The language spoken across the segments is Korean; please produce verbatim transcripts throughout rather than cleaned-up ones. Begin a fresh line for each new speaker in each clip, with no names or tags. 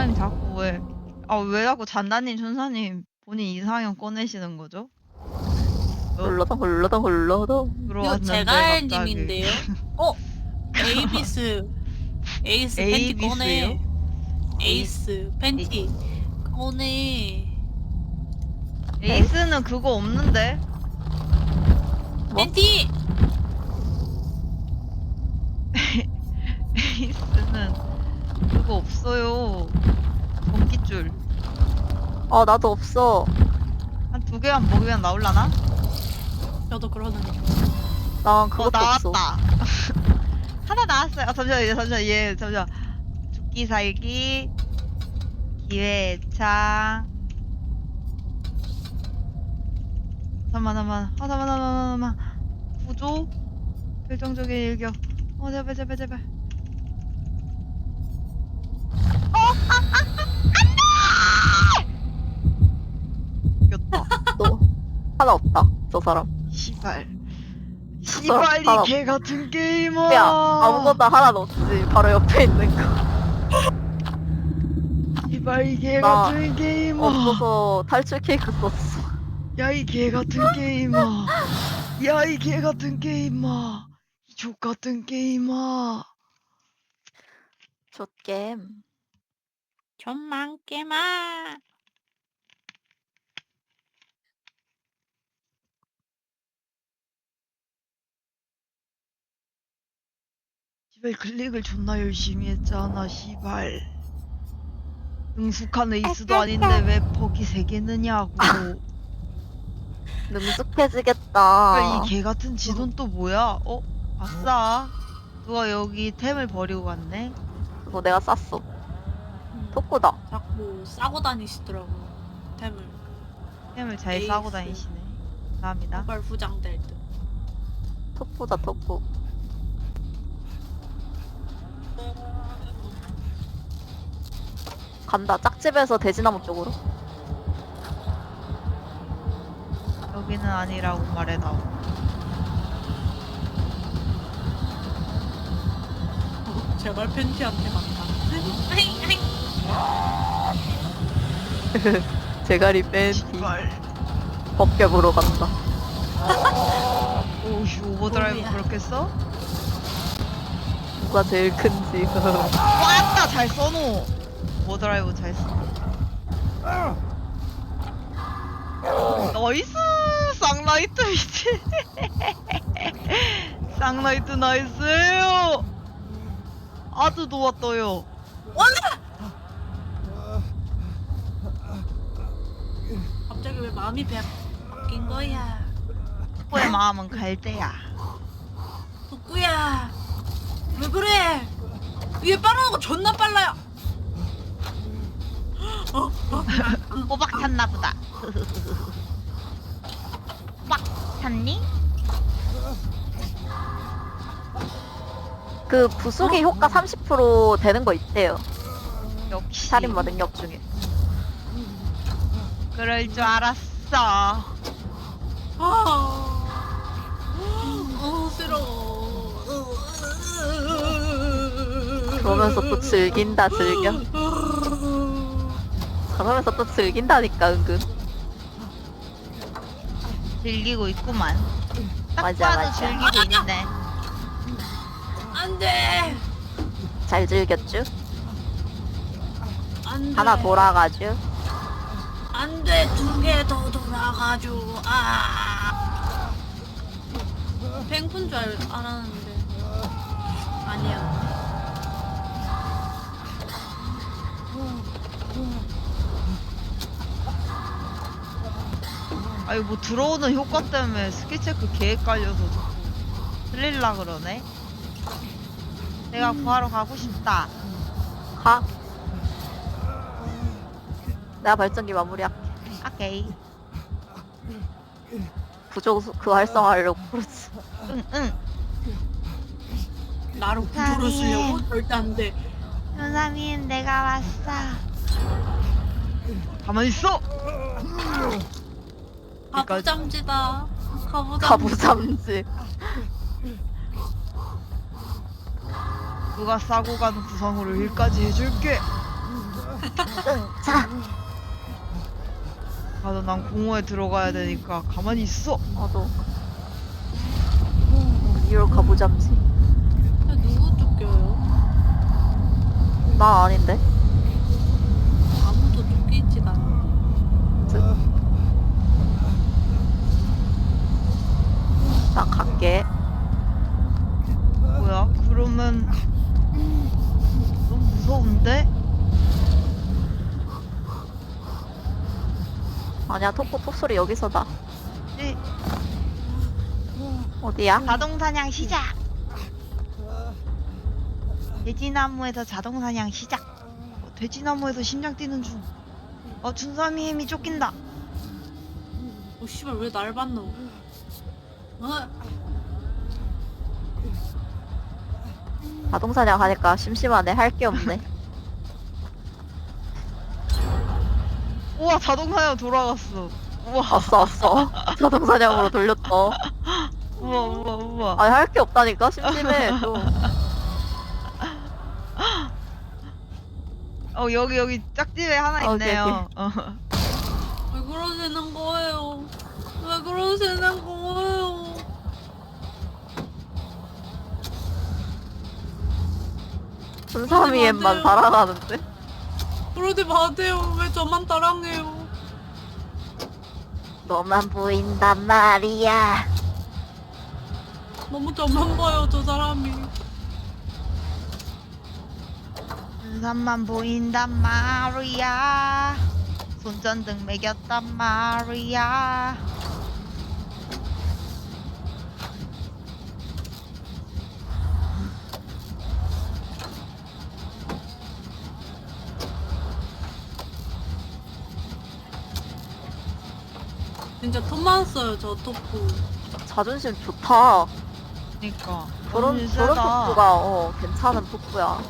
천사님 자꾸 왜, 아, 왜 자꾸 잔다님, 천사님 본인 이상형 꺼내시는 거죠? 어?
홀러덩 홀러덩 홀러덩.
이거
들어왔는데 갑자기.
제갈님인데요? 어? 에이비스 에이스 팬티 꺼내.
에이비스요?
에이스 팬티 꺼내.
에이스는 그거 없는데?
뭐?
팬티!
에이스는 그거 없어요. 전기줄.
어 나도 없어.
한 두 개만 먹으면 나올라나?
저도 그러는데.
난
어,
그것도 없어.
나왔다. 하나 나왔어요. 아, 잠시만요, 잠시만, 얘, 잠시만. 죽기 살기, 기회창. 잠만, 잠만. 아, 잠만, 잠만, 잠만. 구조? 결정적인 일격. 어, 제발, 제발, 제발. 어, 아, 아, 아, 안 돼! 이겼다.
너 하나 없다. 저 사람.
시발.
사람
시발이
하나
개 같은 게이머.
야 아무거나 하나 넣었지. 바로 옆에 있는 거.
시발 개
나
같은 게이머.
없어서 탈출 케이크 썼어.
야 이 개 같은 게이머. 야 이 개 같은 게이머. 이 족 같은 게이머.
좆겜.
전망 깨마.
시발 클릭을 존나 열심히 했잖아 시발. 능숙한 에이스도 아닌데 왜 버기 세 개느냐고.
능숙해지겠다.
이 개 같은 지도는 또 뭐야? 어? 아싸. 누가 여기 템을 버리고 갔네?
그거 내가 쌌어.
음,
토끼다.
자꾸 싸고 다니시더라고. 템을.
템을 잘
에이스.
싸고 다니시네. 감사합니다.
모발 후장될 듯.
토끼다 토끼. 간다. 짝집에서 돼지나무 쪽으로.
여기는 아니라고 말해다오.
어, 제발 팬티한테 간다.
제가리 뺀 뒤.
시발.
벗겨 보러 간다.
오씨 오버드라이브
오야.
그렇게 써?
누가 제일 큰지.
왔다 잘 써노. 오버드라이브 잘 써. 나이스 쌍라이트 미친. 쌍라이트 나이스요. 아주 좋았어요.
갑자기 왜 마음이 배 바뀐 거야?
덕구의 마음은 갈대야.
덕구야, 왜 그래? 위에 빠르는 거 존나 빨라요. 어, 어,
꼬박 탔나 보다. 꼬박 탔니?
그 부수기 효과 삼십 퍼센트 되는 거 있대요.
역시
살인마 능력 중에.
그럴 줄 알았어.
아, 어, 싫어.
그러면서 또 즐긴다 즐겨. 그러면서 또 즐긴다니까 은근.
즐기고 있구만. 딱
맞아,
봐도
맞아.
즐기고 있네.
안 돼,
잘 즐겼쥬?
안 돼.
하나 돌아가쥬?
안 돼, 두 개 더 돌아가지고. 아, 뱅푼 줄 알, 알았는데 아니야.
아니 뭐 들어오는 효과 때문에 스킬 체크 계획 깔려서 자꾸 틀릴라 그러네. 내가 구하러 가고 싶다.
가. 내가 발전기 마무리할게.
오케이.
부족 그 활성화하려고 그러지.
응응.
나를 구조로
아니.
쓰려고? 절대 안 돼.
현사민 내가 왔어. 가만히 있어.
가부잠지다. 가부잠.
가부잠지.
누가 싸고 가는 구성으로 일까지 해줄게.
자,
나도 난 공허에 들어가야 되니까 가만히 있어.
나도. 이걸 가보자지.
야, 누구 쫓겨요?
나 아닌데.
아무도 쫓기지가 않아.
나 갈게.
뭐야? 그러면 너무 무서운데?
아니야, 톡톡 톡소리 여기서다.
네.
어디야?
자동 사냥 시작. 돼지나무에서 자동 사냥 시작. 어, 돼지나무에서 심장 뛰는 중. 어, 준삼이 힘이 쫓긴다.
어, 씨발, 왜 날 봤노? 어?
자동사냥 하니까 심심하네. 할 게 없네.
우와, 자동 사냥 돌아갔어. 우와,
왔어, 왔어. 자동사냥으로 돌렸어.
우와, 우와, 우와.
아니, 할 게 없다니까? 심심해, 좀.
어, 여기 여기 짝집에 하나
어,
있네요. 어.
왜 그러시는 거예요? 왜 그러시는 거예요?
준삼이엠만 살아가는데?
그러지 마세요. 왜 저만 따랑해요?
너만 보인단 말이야.
너무 저만 봐요, 저 사람이.
준삼만 보인단 말이야. 손전등 매겼단 말이야.
진짜 톤만 써요, 저 토프.
자존심 좋다.
그니까
저런,
자존심
저런
세다.
토프가, 어, 괜찮은 토프야.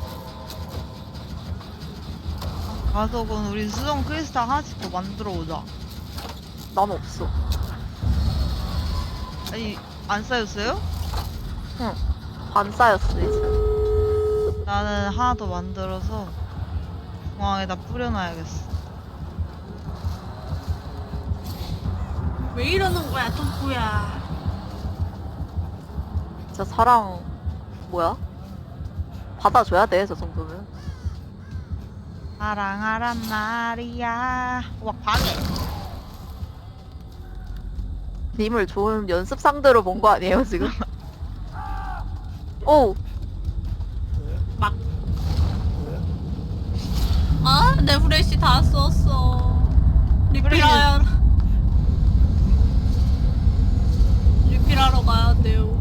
가서 그럼 우리 수정 크리스탈 하나씩 더 만들어 오자.
난 없어.
아니, 안 쌓였어요?
응. 반 쌓였어, 이제.
나는 하나 더 만들어서 중앙에다 뿌려놔야겠어.
왜 이러는 거야, 토프야?
진짜 사랑, 뭐야? 받아줘야 돼, 저 정도면.
사랑하란 말이야. 와, 방해.
님을 좋은 연습 상대로 본 거 아니에요, 지금? 오!
막. 아, 내 후레쉬 다 썼어. 리필하여. 리필하러 가야 돼요.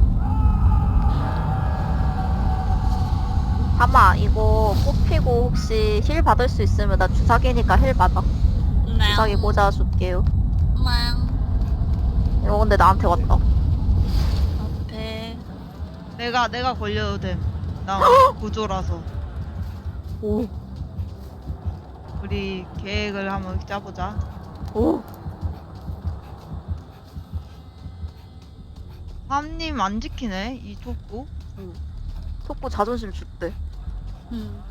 하마, 이거 뽑히고 혹시 힐 받을 수 있으면 나 주사기니까 힐 받아.
네.
주사기 모자 줄게요.
네.
이거 근데 나한테 왔다.
앞에.
내가 내가 걸려도 됨. 나 구조라서.
오,
우리 계획을 한번 짜보자.
오.
삼님 안 지키네 이 촉구.
속보 자존심 줄대.
음.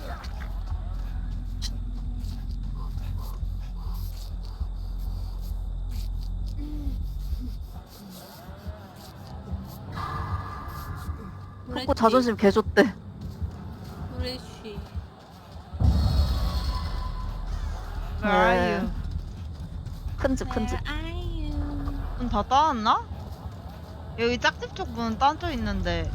속보 자존심 개 줬대.
후레쉬.
Where are you?
큰 집, 큰 집.
Where are you?
문 다 따왔나? 여기 짝집 쪽 문은 딴져 있는데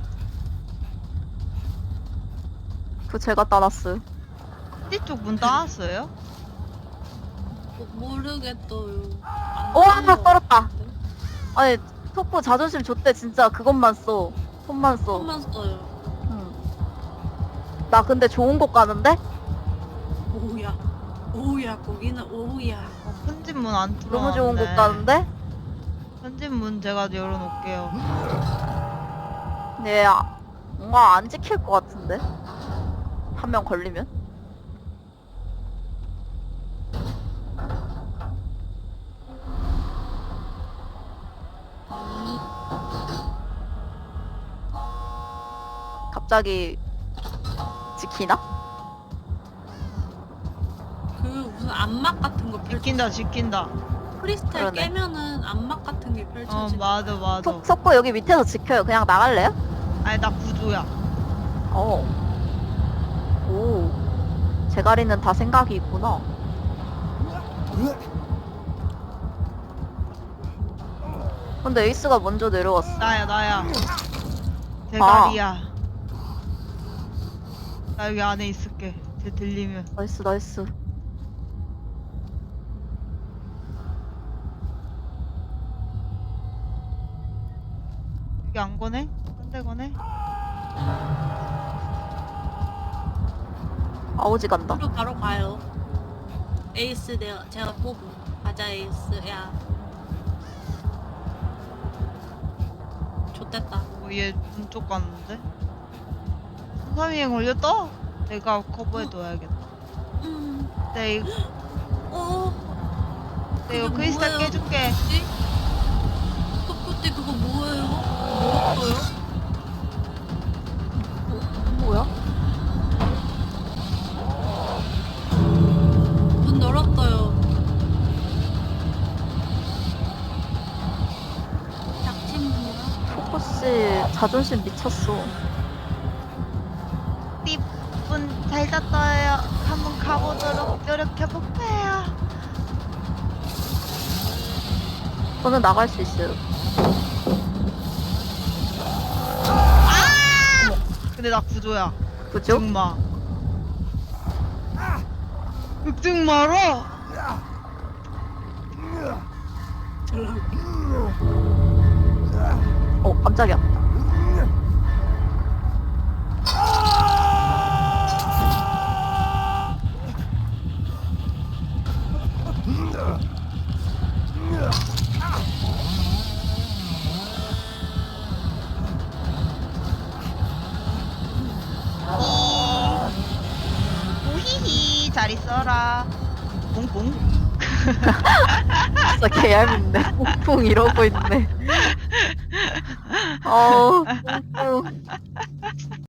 그 제가 따놨어요.
띠 쪽 문 따왔어요?
모- 모르겠어요. 안
오,
딴
하나
거
떨었다.
같은데?
아니, 속보 자존심 줬대. 진짜 그것만 써. 손만 써.
손만 써요.
응. 나 근데 좋은 곳 가는데?
오우야. 오우야, 거기는 오우야.
어, 큰집 문 안 뚫어.
너무 좋은 곳 가는데?
큰집 문 제가 열어놓을게요.
네, 아, 뭔가 안 지킬 것 같은데? 한 명 걸리면? 갑자기 지키나?
그 암막 같은 거 펼쳐.
지킨다 지킨다.
크리스탈
그러네.
깨면은 암막 같은 게
어
펼쳐지.
맞아 맞아.
석, 석고 여기 밑에서 지켜요. 그냥 나갈래요?
아니 나 구조야.
어. 오. 제가리는 다 생각이 있구나. 근데 에이스가 먼저 내려왔어.
나야 나야. 대가리야. 나 여기 안에 있을게. 쟤 들리면.
나이스, 나이스.
여기 안 거네? 딴 데 거네?
아오지 간다.
바로 바로 가요. 에이스 내가 제가 보고 가자 에이스. 야. 좋됐다.
어, 얘 눈쪽 갔는데? 삼삼이행 걸렸다? 내가 커버해둬야겠다.
음.
내 이거,
어.
내 이거
그게
크리스탈
뭐예요?
깨줄게.
뭐지? 그때 그거 뭐예요? 뭐였어요?
뭐야?
문 열었어요. 닥친 문이야?
포커씨 자존심 미쳤어.
띠분 잘 잤어요. 한번 가보도록 노력해볼게요.
저는 나갈 수 있어요.
근데 나 구조야.
그죠?
극증마. 극증마로?
어, 깜짝이야.
오히히 잘 있어라. 뿡뿡.
진짜 개얄밉네. 뿡뿡 이러고 있네. 어우, 뿡뿡.